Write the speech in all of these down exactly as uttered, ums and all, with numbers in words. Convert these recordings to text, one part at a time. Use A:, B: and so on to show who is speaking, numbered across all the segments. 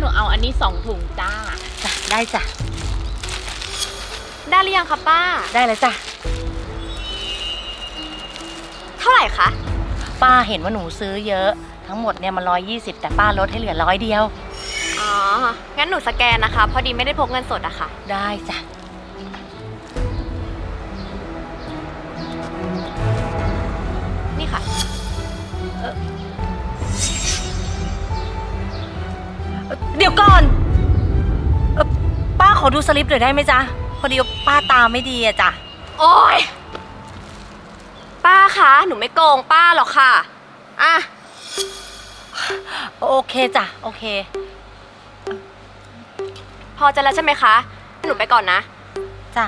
A: หนูเอาอันนี้สองถุงจ้า
B: จ้ะได้จ้ะ
C: ได้หรือยังคะป้า
B: ได้แล้วจ้ะ
C: เท่าไหร่คะ
B: ป้าเห็นว่าหนูซื้อเยอะทั้งหมดเนี่ยมันร้อยยี่สิบแต่ป้าลดให้เหลือร้อยเดียว
C: อ๋องั้นหนูสแกนนะคะพอดีไม่ได้พกเงินสดอะค่ะ
B: ได้จ้ะ
C: นี่ค่ะ
B: เออเดี๋ยวก่อนเออป้าขอดูสลิปหน่อยได้ไหมจ๊ะพอดีป้าตาไม่ดีอะจ้ะ
C: โอ๊ยป้าคะหนูไม่โกงป้าหรอกค่ะอ่ะ
B: โอเคจ้ะโอเค
C: พอจะแล้วใช่ไหมคะหนูไปก่อนนะ
B: จ้ะ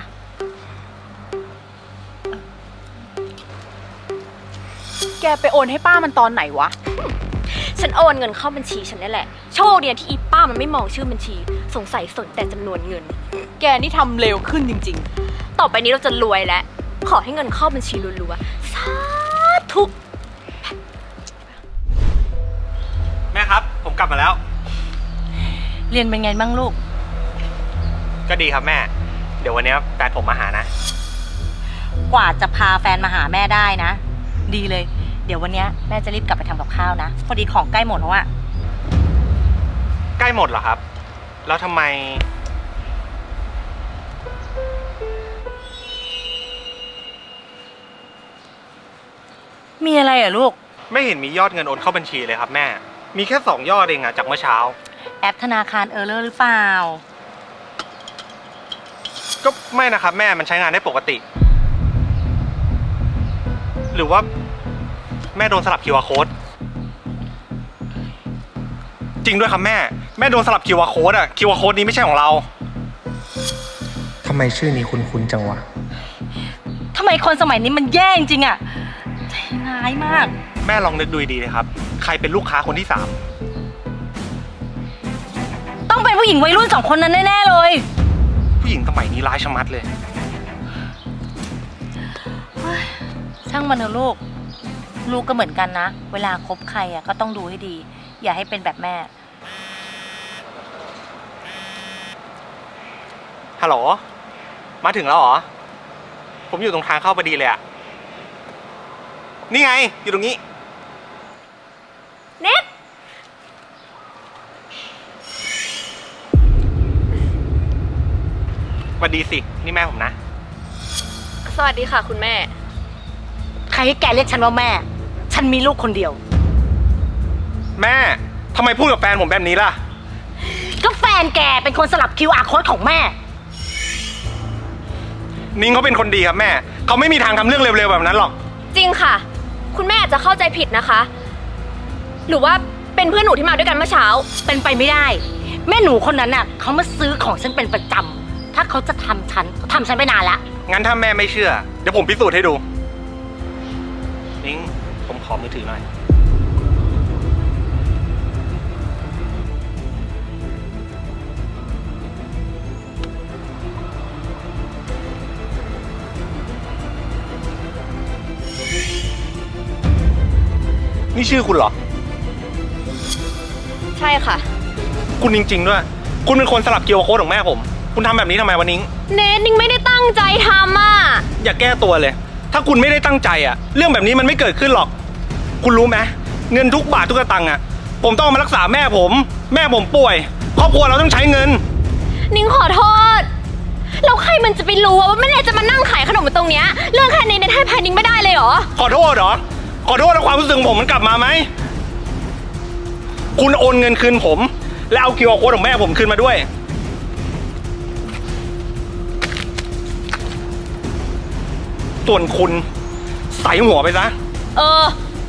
A: แกไปโอนให้ป้ามันตอนไหนวะ
C: ฉันโอนเงินเข้าบัญชีฉันนี่แหละโชคดีที่อีป้ามันไม่มองชื่อบัญชีสงสัยสนแต่จำนวนเงิน
A: แกนี่ทำเร็วขึ้นจริง
C: ๆต่อไปนี้เราจะรวยแล้วขอให้เงินเข้าบัญชีรัวๆสาธุ
D: แม่ครับผมกลับมาแล้ว
B: เรียนเป็นไงบ้างลูก
D: ก็ดีครับแม่เดี๋ยววันนี้แฟนผมมาหานะ
B: กว่าจะพาแฟนมาหาแม่ได้นะดีเลยเดี๋ยววันนี้แม่จะรีบกลับไปทำกับข้าวนะพอดีของใกล้หมดแล้วอะ
D: ใกล้หมดเหรอครับแล้วทำไม
B: มีอะไรอ่ะลูก
D: ไม่เห็นมียอดเงินโอนเข้าบัญชีเลยครับแม่มีแค่สองยอดเองอะจากเมื่อเช้า
B: แอปธนาคารเออร์เลอร์หรือเปล่า
D: ก็ไม่นะครับแม่มันใช้งานได้ปกติหรือว่าแม่โดนสลับ คิว อาร์ Code จริงด้วยครับแม่แม่โดนสลับ คิว อาร์ Code อะ คิว อาร์ Code นี้ไม่ใช่ของเราทำไมชื่อนี้คุ้นๆจังวะ
B: ทำไมคนสมัยนี้มันแย่จริงๆอะใจร้ายมาก
D: แม่ลองนึกดูดีๆนะครับใครเป็นลูกค้าคนที่สาม
B: ต้องเป็นผู้หญิงวัยรุ่นสองคนนั้นแน่ๆเลย
D: ผู้หญิงสมัยนี้ร้ายชะมัดเลย
B: ช่างมันเถอะลูกลูกก็เหมือนกันนะเวลาคบใครอ่ะก็ต้องดูให้ดีอย่าให้เป็นแบบแม่
D: ฮัลโหลมาถึงแล้วเหรอผมอยู่ตรงทางเข้าพอดีเลยอะนี่ไงอยู่ตรงนี้
C: เน็ต
D: สวัสดีสินี่แม่ผมนะ
C: สวัสดีค่ะคุณแม่
B: ใครให้แกเรียกฉันว่าแม่ฉันมีลูกคนเดียว
D: แม่ทำไมพูดกับแฟนผมแบบนี้ล่ะ
B: ก็แฟนแกเป็นคนสลับ คิว อาร์ Code ของแม่
D: นิ้งเขาเป็นคนดีครับแม่เขาไม่มีทางทำเรื่องเร็วๆแบบนั้นหรอก
C: จริงค่ะคุณแม่อาจจะเข้าใจผิดนะคะหรือว่าเป็นเพื่อนหนูที่มาด้วยกันเมื่อเช้า
B: เป็นไปไม่ได้แม่หนูคนนั้นน่ะเขามาซื้อของฉันเป็นประจำถ้าเขาจะทำฉันเขาทำฉันไปนานละ
D: งั้นถ้าแม่ไม่เชื่อเดี๋ยวผมพิสูจน์ให้ดูนิ้งผมขอมือถือหน่อยนี่ชื่อคุณเหรอ
C: ใช่ค่ะ
D: คุณจริงๆด้วยคุณเป็นคนสลับ คิว อาร์ Code ของแม่ผมคุณทำแบบนี้ทำไมวะนิ้ง
C: เนทนิ้งไม่ได้ตั้งใจทำอ่ะ
D: อย่าแก้ตัวเลยถ้าคุณไม่ได้ตั้งใจอ่ะเรื่องแบบนี้มันไม่เกิดขึ้นหรอกคุณรู้ไหมเงินทุกบาททุกสตางค์อ่ะผมต้องมารักษาแม่ผมแม่ผมป่วยครอบครัวเราต้องใช้เงิน
C: นิ้งขอโทษแล้วใครมันจะไปรู้ว่าแม่เนทจะมานั่งขายขนมตรงเนี้ยเรื่องแค่นี้เนทให้แพนนิ้งไม่ได้เลยเหรอ
D: ขอโทษเหรอขอโทษแล้วความรู้สึกของผมมันกลับมาไหมคุณโอนเงินคืนผมแล้วเอา คิว อาร์ Code ของแม่ผมคืนมาด้วยส่วนคุณใส่หัวไปซะ
C: เออ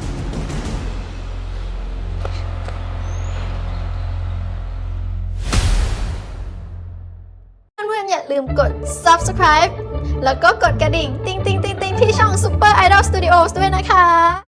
E: เพื่อนๆอย่าลืมกด ซับสไครบ์ แล้วก็กดกระดิ่งติ๊งติ๊งติ๊งติ๊งที่ช่อง Super Idol Studios ด้วยนะคะ